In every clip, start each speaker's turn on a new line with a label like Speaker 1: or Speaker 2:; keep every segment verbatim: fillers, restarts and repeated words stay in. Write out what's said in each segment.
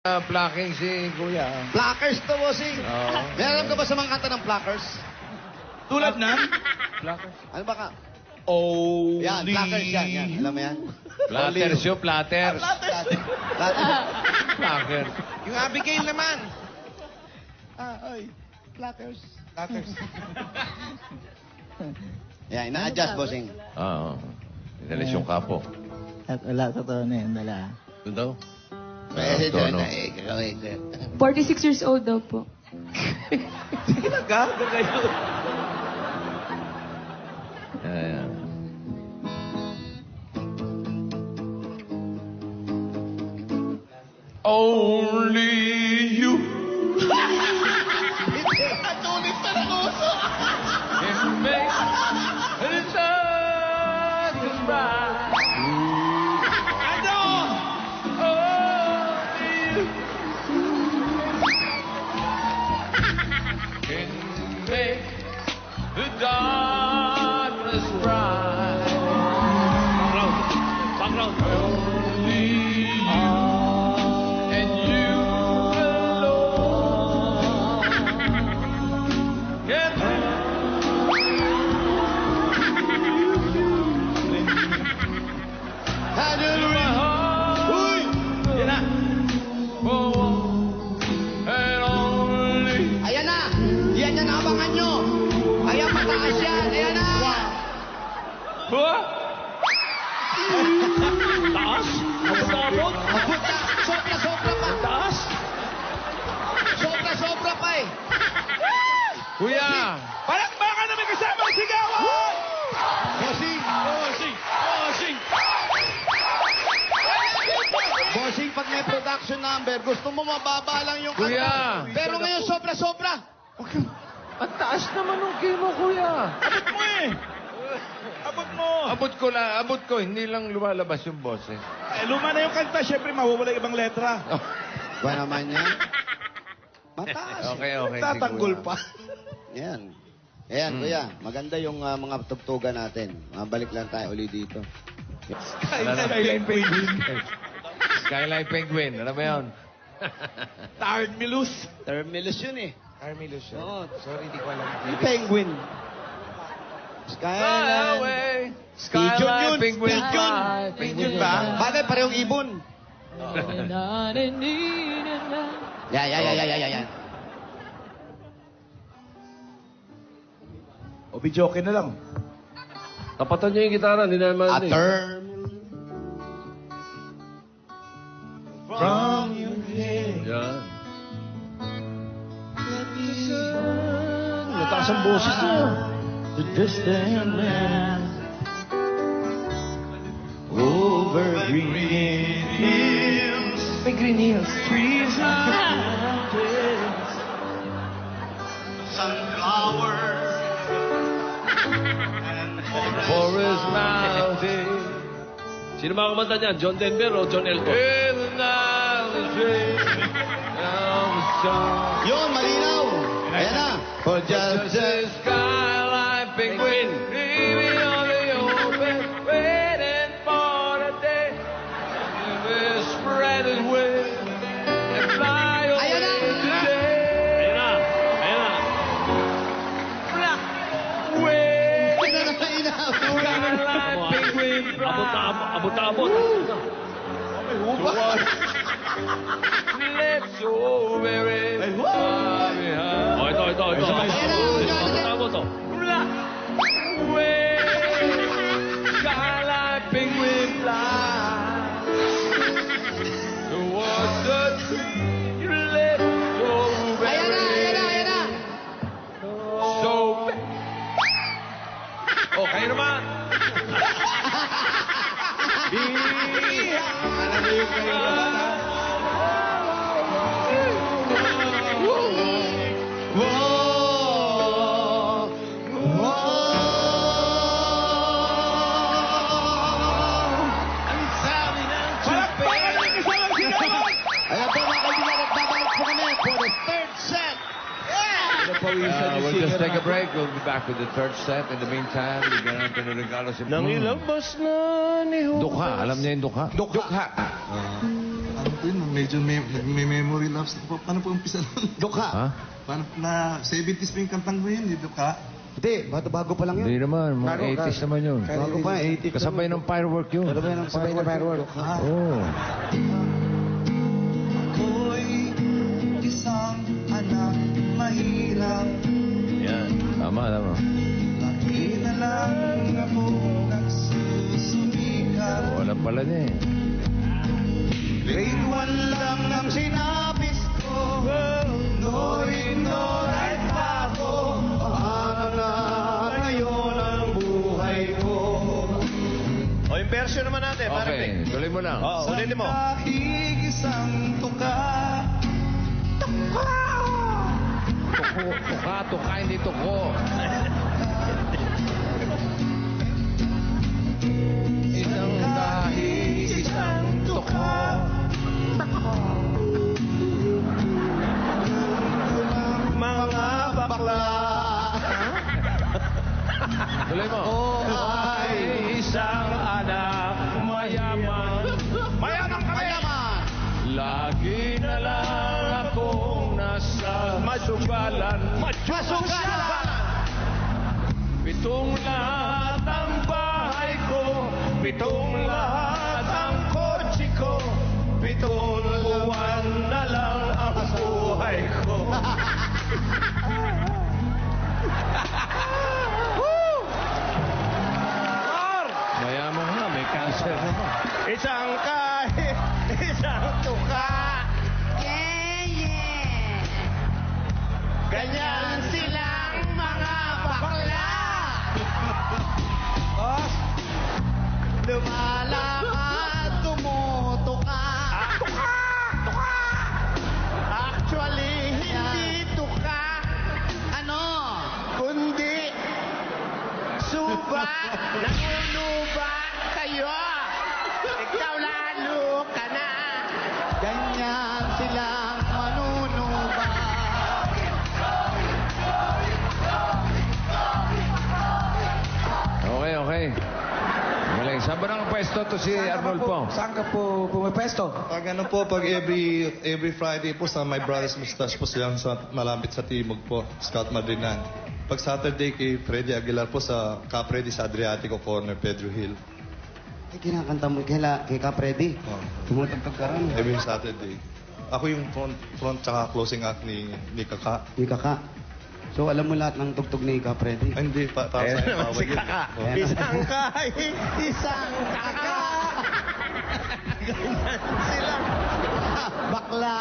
Speaker 1: Uh, Plucking si Kuya.
Speaker 2: Pluckers to, bossing.
Speaker 1: Oo.
Speaker 2: May alam ka ba sa mga kanta ng Pluckers?
Speaker 3: Tulad ng?
Speaker 1: Pluckers?
Speaker 2: Ano ba ka?
Speaker 3: Oh,
Speaker 2: Yan, Pluckers yan, yan. Alam mo yan?
Speaker 1: Platters yun, platters.
Speaker 2: Platters.
Speaker 1: Pluckers.
Speaker 3: Yung Abigail naman.
Speaker 2: Ah, oy. Pluckers.
Speaker 3: Pluckers.
Speaker 2: Yan, ina-adjust, bossing.
Speaker 1: Oo. Inalis yung kapo.
Speaker 4: At wala, totoo na yun, wala.
Speaker 1: Doon daw?
Speaker 2: Eh,
Speaker 1: tono.
Speaker 2: eh, gagawin ko.
Speaker 5: forty-six years old daw po.
Speaker 3: Sige na, gaga kayo.
Speaker 1: Ayan. Only you
Speaker 2: At ulit pa ng uso.
Speaker 1: can make the sun bright.
Speaker 3: Ano?
Speaker 1: Only you can make the darkness bright.
Speaker 3: Background. Background.
Speaker 1: Only you and you alone can
Speaker 2: Handle
Speaker 1: my heart.
Speaker 2: Uy!
Speaker 3: Yan na.
Speaker 1: Oh, and only
Speaker 2: Ayan na! Yan yan ang abangan nyo! Ayan, pataas yan! Ayan na!
Speaker 1: Huh?
Speaker 3: Taas? Abot-abot?
Speaker 2: Abot na! Sobra-sobra pa!
Speaker 3: Taas?
Speaker 2: Sobra-sobra pa eh!
Speaker 1: Kuya!
Speaker 3: Palakpakan na may kasama ang sigawan!
Speaker 2: Bossing!
Speaker 3: Bossing! Bossing!
Speaker 2: Bossing, pag may production number, gusto mo mababa lang yung
Speaker 1: Kuya!
Speaker 2: kanta. Pero ngayon, sobra-sobra!
Speaker 1: Ang taas naman ng kimo, kuya.
Speaker 3: Abot mo eh! Abot mo!
Speaker 1: Abot ko lang, abot ko, hindi lang lumalabas yung boses.
Speaker 3: Eh, luma na yung kanta, syempre mawawala yung ibang letra.
Speaker 2: Ba naman yan? Mataas eh.
Speaker 1: Okay, okay.
Speaker 3: Tatanggol
Speaker 1: si Kuya.
Speaker 3: pa.
Speaker 2: Yan. Ayan,
Speaker 1: Mm.
Speaker 2: kuya. Maganda yung ah, mga tugtugan natin. Mabalik lang tayo uli dito.
Speaker 3: Skyline Penguin.
Speaker 1: Skyline Penguin, ano ba yun?
Speaker 3: Tired Milus.
Speaker 2: Terminus yun eh.
Speaker 3: Carmilus yun.
Speaker 2: Oo.
Speaker 3: Sorry, di ko alam.
Speaker 2: Yung penguin.
Speaker 1: Fly
Speaker 2: Skyline.
Speaker 1: away,
Speaker 2: Pigeon yun.
Speaker 1: Skyline Penguin.
Speaker 2: Pigeon.
Speaker 1: fly.
Speaker 2: Pigeon ba? Bagay, parehong ibon. Yan, yan, yan, yan, yan, yan.
Speaker 3: O, bidyoke na lang.
Speaker 6: Tapatan niyo yung gitara, hindi naman
Speaker 2: A
Speaker 6: eh.
Speaker 2: term.
Speaker 3: From your head.
Speaker 6: Yan.
Speaker 3: Mataas ang boses niya.
Speaker 4: The distant land
Speaker 3: Over green hills. May green hills. Trees and mountains.
Speaker 2: Sunflowers.
Speaker 1: Forest Mountain.
Speaker 6: Sino mga kumanta niyan? John Denver o John Elton?
Speaker 1: In the night, the dream of the sun.
Speaker 2: Yun, malinaw. Ayan na. For just
Speaker 1: Just a skyline penguin, dreaming on the open, waiting for the day to be spread his wings and fly away
Speaker 2: Ayan na.
Speaker 1: today.
Speaker 6: Ayan na. Ayan na.
Speaker 1: Fly away,
Speaker 2: Ina na inaw.
Speaker 1: skyline penguin,
Speaker 6: Abot na abot. Abot na abot.
Speaker 1: left so very far behind.
Speaker 6: O, ito, ito, ito.
Speaker 2: Ayan na.
Speaker 6: Abot na abot, oh.
Speaker 1: Fly away, skyline penguin fly towards the tree you left so
Speaker 2: Ayan na,
Speaker 1: very,
Speaker 2: ayan na, ayan na.
Speaker 1: so oh, kayo naman.
Speaker 2: Alam mo yung kayo. Whoa! Whoa! Ang sabi ng
Speaker 3: Palakpakan na may kasama ang sigawan!
Speaker 2: Ayan po mga kaibigan, nagbabalik po kami for the third set.
Speaker 1: Uh, we'll just take a break. We'll be back with the third set. In the meantime, bigyan natin ng regalo si
Speaker 6: Nang ilabas na ni Judas.
Speaker 1: Dukha. Alam niya yung dukha?
Speaker 3: Dukha.
Speaker 4: Ano po yun?
Speaker 7: medyo may, may memory lapse. Pa- Paano po umpisa nun?
Speaker 2: Dukha.
Speaker 6: Ha?
Speaker 7: Paano, na seventies pa yung kantang ko yun, dito ka?
Speaker 2: Hindi, bago, bago pa lang yun.
Speaker 6: Hindi naman, mga
Speaker 2: Bago,
Speaker 6: eighties naman yun.
Speaker 2: Bago pa, eighties.
Speaker 6: Kasabay ng firework yun.
Speaker 2: Kasabay ng firework.
Speaker 7: Ah.
Speaker 6: Oo.
Speaker 7: Ako'y isang anak mahirap.
Speaker 6: Yan. Tama, tama.
Speaker 7: Lagi na lang ako nagsusumikap.
Speaker 6: Wala pala niya eh.
Speaker 2: Grade one lang ang sinapis ko. Noy, noy, pa ako. Paano na ngayon ang buhay ko?
Speaker 3: O, yung version naman natin.
Speaker 6: Okay, tuloy mo lang.
Speaker 3: Oo, ulitin mo.
Speaker 7: Kahig isang tuka.
Speaker 6: Tuko, tuka, tuka, hindi tuko. Isang dahil, isang tuko.
Speaker 3: Mga bakla.
Speaker 6: Tuloy mo.
Speaker 3: Ay, isang anak mayaman. Mayaman kami!
Speaker 2: Mayaman!
Speaker 6: Lagi na lang akong nasa masugalan.
Speaker 3: Masugalan!
Speaker 6: Pitong lahat ang bahay ko, pitong lahat ang kotse ko, pitong buwan na lang ang buhay ko. Mayaman nga, may cancer naman.
Speaker 3: Isang kahit, isang tuka.
Speaker 2: Yeah, yeah.
Speaker 3: Ganyan silang mga bakla.
Speaker 2: Oh, lumalakad, tumutuka.
Speaker 3: Tuka! Tuka! Actually, hindi tuka,
Speaker 2: Ano?
Speaker 3: kundi suba. Nangunuba kayo. Ikaw lalo ka na.
Speaker 2: Ganyan silang manunuba.
Speaker 6: Okay, okay. Galing. Saan ba nakapwesto to si Arnolfo?
Speaker 2: Saan ka po pumapesto?
Speaker 7: Pag ano po, pag every every Friday po sa My Brothers Mustache po silang sa, malapit sa Timog po, Scout Madrinan. Pag Saturday kay Freddy Aguilar po sa Capredi sa Adriatico Corner, Pedro Hill.
Speaker 2: Ay, kinakanta mo kila, kay Capredi.
Speaker 7: Oh,
Speaker 2: Tumutugtog ka rin.
Speaker 7: every Saturday. Ako yung front, front tsaka closing act ni, ni Kaka.
Speaker 2: Di ka ka. So, alam mo lahat ng tugtog ni Capredi?
Speaker 7: Ay, hindi, pa, para
Speaker 3: Ayan
Speaker 7: sa
Speaker 3: naman
Speaker 7: bawal
Speaker 3: si
Speaker 7: yun.
Speaker 3: Kaka.
Speaker 7: Oh.
Speaker 3: Isang kahit, isang kaka. Ganyan silang
Speaker 2: Bakla.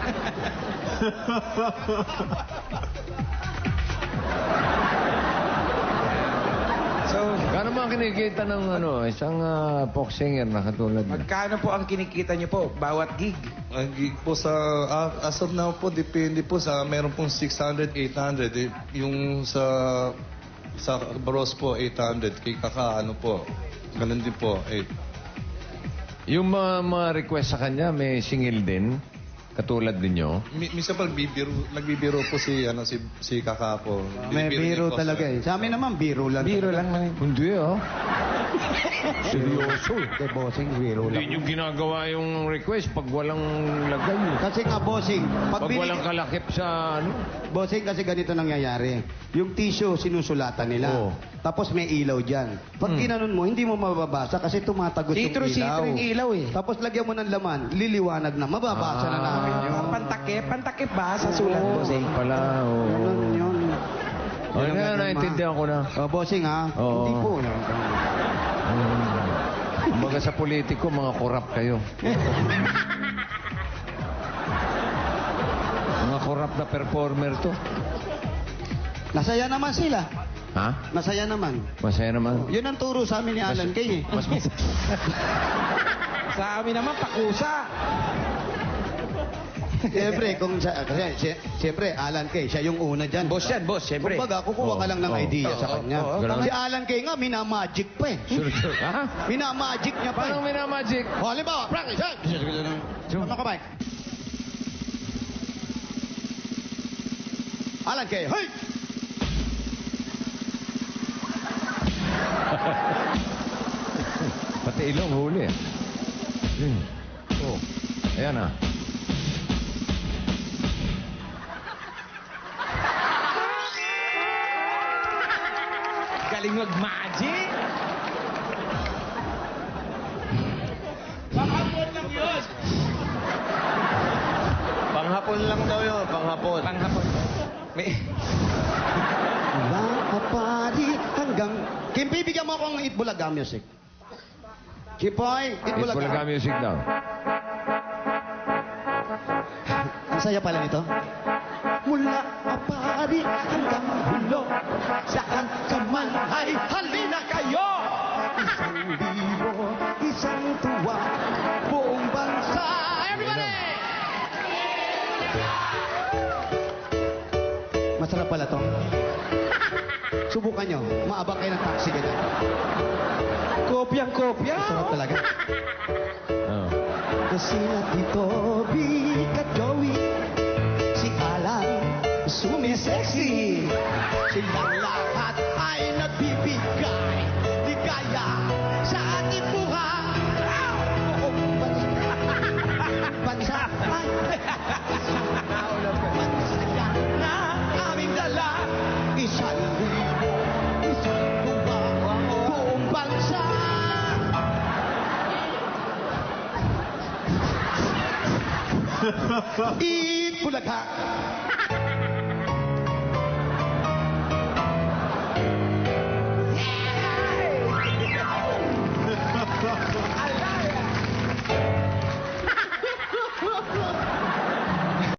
Speaker 6: So, kano mga kinikita ng ano, isang uh, folk singer na katulad niya?
Speaker 8: Magkano po ang kinikita niyo po bawat gig?
Speaker 7: Ang gig po sa, ah, as of now po, depende po sa, meron pong six hundred, eight hundred. Eh, yung sa, sa Baros po, eight hundred. Kay Kaka, ano po, ganun din po, eight.
Speaker 6: Yung mga, mga request sa kanya, may singil din, katulad ninyo.
Speaker 7: Mi minsan pa nagbibiro, nagbibiro po si, ano, si, si Kaka po.
Speaker 2: May
Speaker 7: Binibiro
Speaker 2: biro
Speaker 7: niya po
Speaker 2: talaga
Speaker 7: sa-
Speaker 2: eh. Sa amin naman, biro lang.
Speaker 8: Biro lang man.
Speaker 6: Hindi ah.
Speaker 2: Seryoso. Kay bossing, biro
Speaker 6: Hindi
Speaker 2: lang.
Speaker 6: nyo ginagawa yung request pag walang lagay. eh.
Speaker 2: Kasi nga, bossing, pag,
Speaker 6: Pag
Speaker 2: binig-
Speaker 6: walang kalakip sa ano.
Speaker 2: bossing, kasi ganito nangyayari. Yung tissue, sinusulatan nila.
Speaker 6: Oo.
Speaker 2: Tapos may ilaw dyan. Pag
Speaker 6: Hmm.
Speaker 2: ginanon mo, hindi mo mababasa kasi tumatagos yung ilaw.
Speaker 8: Sitro-sitro yung ilaw eh.
Speaker 2: Tapos lagyan mo ng laman, liliwanag na. Mababasa na namin yun.
Speaker 8: Ah, pantakip, pantakip ba sa sulat
Speaker 6: Oo,
Speaker 8: bossing?
Speaker 6: pala. Oo.
Speaker 2: Ganun yun.
Speaker 6: Oh,
Speaker 2: Yun ang
Speaker 6: na,
Speaker 2: gagawin,
Speaker 6: naintindihan ko na.
Speaker 2: Oh, bossing ha?
Speaker 6: Oo.
Speaker 2: Hindi po.
Speaker 6: Hmm. Kumbaga sa politiko, mga korap kayo. Mga korap na performer to.
Speaker 2: Nasaya naman sila.
Speaker 6: Ha?
Speaker 2: Masaya naman.
Speaker 6: Masaya naman.
Speaker 2: Yun ang turo sa amin ni Alan Kay eh.
Speaker 6: Mas,
Speaker 8: Sa amin naman, pakusa.
Speaker 2: Siyempre, kung sa, kasi, si- siyempre, Alan Kay, siya yung una dyan.
Speaker 8: Boss yan, boss, siyempre.
Speaker 2: Kumbaga, kukuha ka lang ng
Speaker 6: Oo.
Speaker 2: idea sa
Speaker 8: Oo,
Speaker 2: kanya.
Speaker 8: oo,
Speaker 6: ganun.
Speaker 2: Si Alan Kay nga, minamagic pa eh.
Speaker 6: sure, sure. Ha?
Speaker 2: Minamagic niya pa
Speaker 6: Paano
Speaker 2: eh.
Speaker 6: minamagic?
Speaker 2: O, halimbawa, practice, ha? Ano ka, Mike? Alan Kay, hey!
Speaker 6: Pati ilong huli. Hmm. Oh. Ayan ah.
Speaker 8: Galing mag-magic.
Speaker 3: Panghapon lang daw yun, panghapon.
Speaker 8: Panghapon. May...
Speaker 2: Mula kapari hanggang... Kim, bibigyan mo akong Itbulaga music. Chipoy, Itbulaga.
Speaker 6: Itbulaga music daw.
Speaker 2: Ang saya pala nito. Mula kapari hanggang hulo, saan ka man ay halina kayo! Isang libo, isang tuwa, buong bansa. Everybody! Masarap pala to. Subukan nyo. Maabang kayo ng taxi ganyan.
Speaker 8: Kopyang-kopya.
Speaker 2: Masarap talaga.
Speaker 6: Oh.
Speaker 2: Kasi na Tito Big at Joey, si Alan, sumisexy. Silang lahat ay nagbibigay ligaya sa ating buhay. Buong bansa, bansa ay mansaya na aming dala. Isang libo, isang tuwa, buong bansa. Itbulaga.